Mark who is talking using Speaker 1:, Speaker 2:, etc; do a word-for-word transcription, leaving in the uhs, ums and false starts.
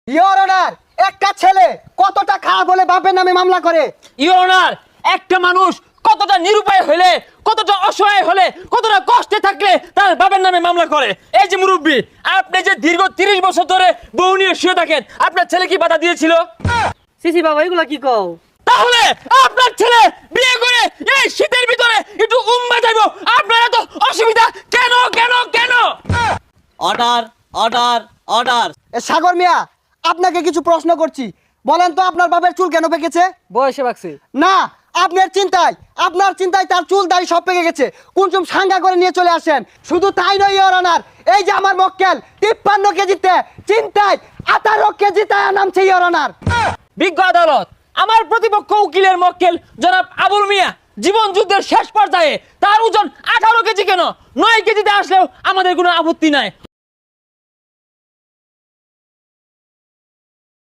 Speaker 1: Your honour, একটা ছেলে কতটা খারাপ হলে বাপের নামে মামলা করে?
Speaker 2: ইওর অনার, একটা মানুষ কতটা নিরুপায় হলে, কতটা অসহায় হলে, কতটা কষ্টে থাকলে তার বাবার নামে মামলা করে। এই যে মুরব্বী, আপনি যে দীর্ঘ তিরিশ বছর ধরে বউ নিয়ে শুয়ে থাকেন, আপনার ছেলে কি বাধা দিয়েছিল?
Speaker 3: সিসি বাবা এগুলা কি কও?
Speaker 2: তাহলে আপনার ছেলে বিয়ে করে এই শীতের ভিতরে একটু উম্মা যাইবো, আপনার এত অসুবিধা কেন কেন কেন?
Speaker 4: Order order order.
Speaker 1: এ সাগর মিয়া, আপনাকে কিছু প্রশ্ন করছি, বলেন তো আপনার বাপের চুল কেন পেকেছে?
Speaker 3: বয়সে বাকছে।
Speaker 1: না, আপনার চিন্তায় আপনার চিন্তায় তার চুল দাড়ি সব পেকে গেছে। কুনচুম সাঙ্গা করে নিয়ে চলে আসেন। শুধু তাই নয় ইওর অনার, এই যে আমার মক্কেল তিপ্পান্ন কেজিতে চিন্তায় আঠারো কেজিতে নামছে ইওর অনার।
Speaker 2: বিজ্ঞ আদালত, আমার প্রতিপক্ষ উকিলের মক্কেল জনাব আবুল মিয়া জীবন যুদ্ধের শেষ পর্যায়ে তার ওজন আঠারো কেজি কেন নয় কেজিতে আসলেও আমাদের কোনো আপত্তি নাই।